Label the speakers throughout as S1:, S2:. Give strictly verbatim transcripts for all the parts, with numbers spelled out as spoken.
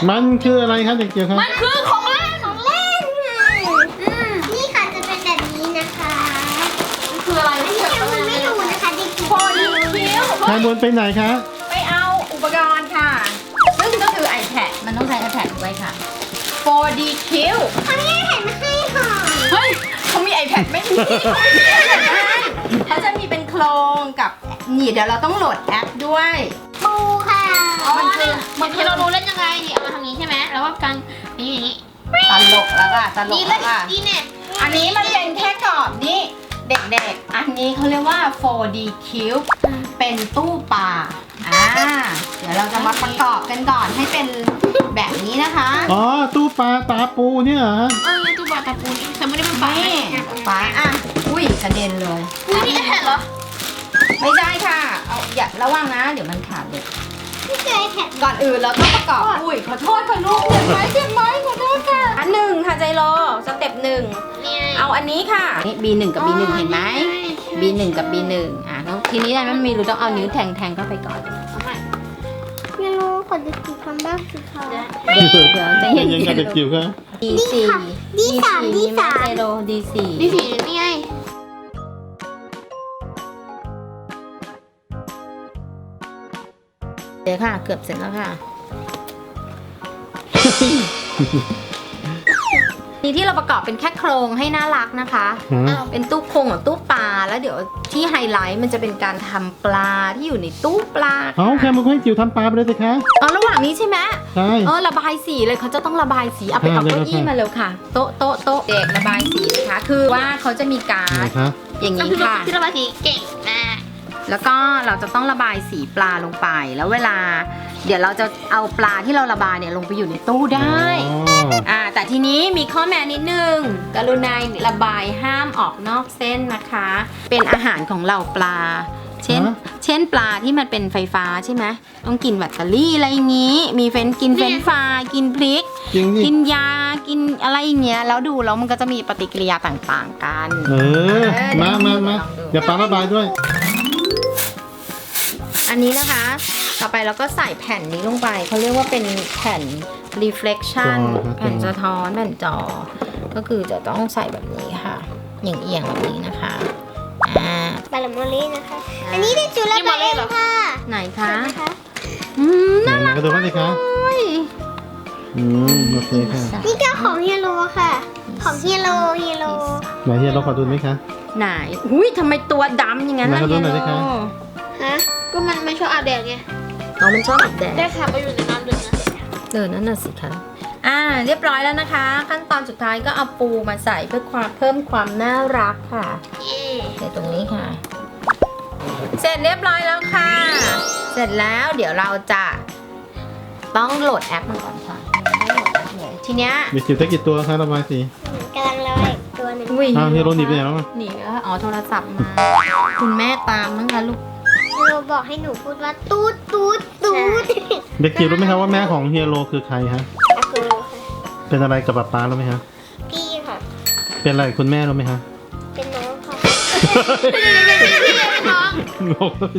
S1: มันคืออะไรครับเด็กเกียวครับ
S2: มันคือของเล่น
S3: ของเล่นนี่ค่ะจะเป็นแบบนี้นะคะ
S2: มันคืออะไรไม่
S3: นี่
S2: เกี่ยว
S3: ยัง
S2: กับ
S3: ไม่รู้นะคะเด็กจิ๋ว
S2: โฟลิคิว
S1: แคมูลไปไหนคะ
S2: ไปเอาอุปกรณ์ค่ะซึ่งก็คือ iPad มันต้องใช้ iPad ด้วยค่ะ โฟร์ ดี คิว
S3: เขาไม่ได้แผ่นมาให้ค่ะ
S2: เฮ้ยเขามี iPad ไม่มีเขาไม่มี iPad ให้เขาจะมีเป็นโครงกับนี่เดี๋ยวเราต้องโหลดแอปด้วย
S3: ปูค่ะ
S2: มันคือ
S4: เหมือนที่เรารู้เล่นยังไงนี่เอามาทางนี้ใช่ไหมแล้วว่าการนี่อย่างนี้
S2: ตลกแล้วค่ะตล
S4: นี่
S2: ก
S4: เล่
S2: แล้ว
S4: น
S2: ค่ะ
S4: นี่เนี่ย
S2: อันนี้มันเป็นแค่กรอบนี่เด็กๆ อันนี้เขาเรียกว่า โฟร์ ดี Cube เป็นตู้ปลาอ่าเดี๋ยวเราจะมาประกอบกันก่อนให้เป็นแบบนี้นะคะ
S1: อ๋อตู้ปลาตาปูเนี่ยเหรอ
S4: เออตู้บอลตะปูนี่ฉันไม่ได้เป็นปลา
S2: นี่ปลาอ่ะอุ้ยกระเด็นเลย
S4: อุ้ยนี่แผ่นเหรอ
S2: ไม่ได้ค่ะเอาอย่าระวังนะ เดี๋ยวมันขาดเด็ก
S3: ไม่เคยแผ่น
S2: ก่อนอื่นเราต้องประกอบอุ้ยขอโทษค่ะลูกเจ็บไหมเจ็บไหมขอโทษค่ะอันหนึ่งค่ะใจโลสเต็ปหนึ่ง
S4: นี่
S2: เอาอันนี้ค่ะนี่ บี หนึ่ง กับ บี หนึ่ง เห็นไหม บี หนึ่ง กับ บี หนึ่ง อ่ะแล้วทีนี้มันมีรูต้องเอานิ้วแทงแทงเข้าไปก่อน
S3: ไม่รู้ขอดูกี่คำบ้างสิคะ
S2: เดี๋ยวเดี๋ยวจะเห็น
S1: ยังกับเด็กจิ๋วครับ
S2: ดีสี่
S3: ดีสามดีสาม
S2: ใจโลดีสี่
S4: นี่สีนี่ไง
S2: เดี๋ยวค่ะเกือบเสร็จแล้วค่ะ นี่ที่เราประกอบเป็นแค่โครงให้น่ารักนะคะ
S1: ฮะ
S2: เป็นตู้โครงกับตู้ปลาแล้วเดี๋ยวที่ไฮไลท์มันจะเป็นการทำปลาที่อยู่ในตู้ปลา
S1: เอาแคมูลให้จิ๋วทำปลาไปเลยสิคะ
S2: อ๋อระหว่างนี้ใช่ไหม
S1: ใช่
S2: เออระบายสีเลยเขาจะต้องระบายสีเอาไป
S1: อ่า
S2: เอาเก้าอี้
S1: เร็วๆค่ะ
S2: มาเร็วค่ะ โต๊ะโต๊ะโต๊ะเด็กระบายสีนะคะ คือว่าเขาจะมีการ
S1: ไหน
S2: ์ด
S1: คะ
S2: อย่าง
S4: ก็
S2: นี้
S4: คือ
S2: ค่ะ
S4: ที่ระบายสีเก่งมาก
S2: แล้วก็เราจะต้องระบายสีปลาลงไป แล้วเวลา เดี๋ยวเราจะเอาปลาที่เราระบายเนี่ยลงไปอยู่ในตู้ได้
S1: อ๋อ
S2: อ่าแต่ทีนี้มีข้อแม้นิดนึง กรุณาระบายห้ามออกนอกเส้นนะคะ เป็นอาหารของเราปลา เช่น เช่นปลาที่มันเป็นไฟฟ้าใช่ไหมต้องกินแบตเตอรี่อะไรอย่างนี้ มีเฟรนกินเฟรนช์ฟรายกินพริก
S1: จริงดิ
S2: กินยา กินอะไรอย่างเงี้ย แล้วดูแล้วมันก็จะมีปฏิกิริยาต่างๆกัน
S1: เออ มามามาเดี๋ยวปลาระบายด้วย
S2: อันนี้นะคะ ต่อไปเราก็ใส่แผ่นนี้ลงไป เขาเรียกว่าเป็นแผ่น reflection
S1: จอครับ
S2: แผ่นสะท้อนแผ่นจอ ก็คือจะต้องใส่แบบนี้ค่ะ อย่างเอียงแบบนี้นะคะ อ่า
S3: บาลามอลลี่นะคะ อันนี้เป็นจุลปาเองค่ะ
S2: ไหนคะ
S3: นะคะ
S2: อืม
S1: ไหน
S2: น่า
S1: ไหน
S2: รัก
S1: ก็ดูบ้างสิคะ
S2: เลย
S1: อืมโอเคค่ะ
S3: นี่ก็ของเฮียโรค่ะ ของเฮียโรเฮียโร
S1: ไหนเฮียเราขอดูไหมคะ
S2: ไหน อุ้ยทำไมตัวดำอย่างนั้นล่ะ
S1: ไหนขอดู
S2: เฮีย
S1: หน่อย
S2: โร
S1: สิคะ
S3: ฮะ
S4: ก็มันไม่ชอบอาบแดดไง
S2: อ๋อมันชอบแบบแด
S4: ได้
S2: ด
S4: ค่ะไปอยู่ในน้ำดึงนะ
S2: เออนั่นน่ะสิคะ อ่า เรียบร้อยแล้วนะคะ ขั้นตอนสุดท้ายก็เอาปูมาใส่เพื่อความเพิ่มความน่ารักค่ะ
S4: เย่
S2: ใส่ตรงนี้ค่ะ เสร็จเรียบร้อยแล้วค่ะ เสร็จแล้วเดี๋ยวเราจะต้องโหลดแอปมันก่อนค่ะทีเนี้ย
S1: มีจิ๋วได้กี่ตัวคะระบายสี
S3: กำลังระบายอีกตัวหนึ่ง
S2: อุ้ย
S1: อ้าวเฮียโรหนีไปไหนแล้วอ่ะ
S2: หนีแล้วอ๋อโทรศัพท์มา คุณแม่ตามมั้งคะลูก
S3: เฮียโรบอกให้หนูพูดว่าตูดตูดตูด
S1: เด็กจิ๋วรู้ไหมคะว่าแม่ของเฮียโรคือใครฮะ
S3: อะคือค่ะ
S1: เป็นอะไรกับป๊าป๊ารู้ไหมคะ
S3: พี่ค่ะ
S1: เป็นอะไรกับคุณแม่รู้ไหมคะ
S3: เป็นน้องค่ะ
S4: น้อง
S1: งงเลย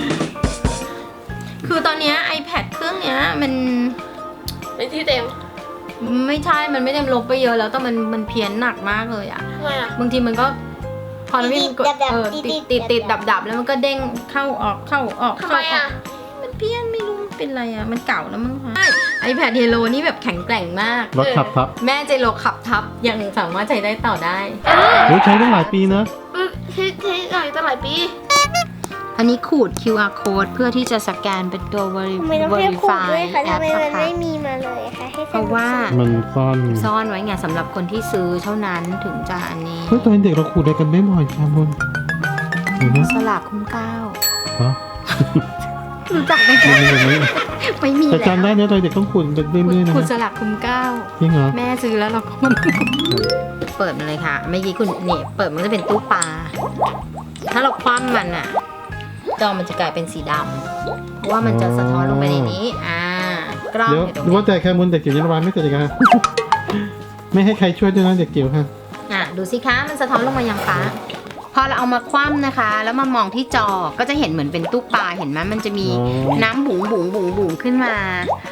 S2: คือตอนเนี้ย iPad เครื่องเนี้ยมัน
S4: ไปที่เต็ม
S2: ไม่ใช่ มันไม่ได้ลบไปเยอะแล้วแต่มันมันเพี้ยนหนักมากเลยอะ
S4: ทำไมอ่ะ
S2: บางทีมันก็พอเราวิ่งกดเออติดติดติดดับดับแล้วมันก็เด้งเข้าออกเข้าออก
S4: ทำ
S2: เข้า
S4: ไม
S2: ออ
S4: อ่ะ
S2: กมันเพี้ยนไม่รู้มันเป็นอะไรอะมันเก่าแล้วมั้งคะใช่ iPad Hero นี่แบบแข็งแกร่งมาก
S1: รถขับทับ
S2: แม่เจโลขับทับยังสามารถใช้ได้ต่อได้
S1: โอ้ยใช้ตั้งหลายปีนะ
S4: เออใช้ใช้หลายตั้งหลายปี
S2: อันนี้ขูด คิว อาร์ code เพื่อที่จะสแกนเป็นตัว veri-
S3: ทำไมต้องให้ขูด
S2: verify
S3: ด้วยคะ
S2: แอ
S3: ทำ
S2: ป
S3: ไม
S2: นะ
S3: มัน
S2: คะ
S3: ไม่มีมาเลยคะให้
S2: เพราะว่า
S1: มันซ่อน
S2: ซ่อนไว้ไงสำหรับคนที่ซื้อเท่านั้นถึงจะอันนี้
S1: เฮ้ยตอนเด็กเราขูดอะไรกันไม่บ่อยค่ะบนเห็นไหม
S2: สลากคุ้มเกล้า
S1: ฮะ
S2: รู้จักไหมคะ
S1: ไม่ไม่ไม่
S2: ไม่มี
S1: แต่
S2: แล้ว
S1: จำได้นะตอนเด็กต้องขูดเป็นเรื่อยๆนะ
S2: ขูดสลากคุ้มเกล้า
S1: จริงเหรอ
S2: แม่ซื้อแล้วเราก็มันเปิดมันเลยค่ะเมื่อกี้คุณเนี่ยเปิดมันก็จะเป็นตู้ปลาถ้าเราคว่ำมันอะจอมันจะกลายเป็นสีดำเพราะว่ามันจะสะท้อนลงไปในนี้ อ่ากล้อง
S1: เดี๋ยว
S2: อยู่ตรง
S1: ว่า
S2: นี้
S1: แต่แค่บนเด็กจิ๋วยังระบายไม่เสร็จเลยค่ะ ไม่ให้ใครช่วยด้วยนะเด็กจิ๋วค่ะ
S2: อ่ะดูสิคะมันสะท้อนลงมายังฟ้าพอเราเอามาคว่ำนะคะ แล้วมามองที่จอก็จะเห็นเหมือนเป็นตู้ปลาเห็นไหมมันจะมี
S1: อ๋อ
S2: น้ำบุ๋งบุ๋งบุ๋งบุ๋งขึ้นมา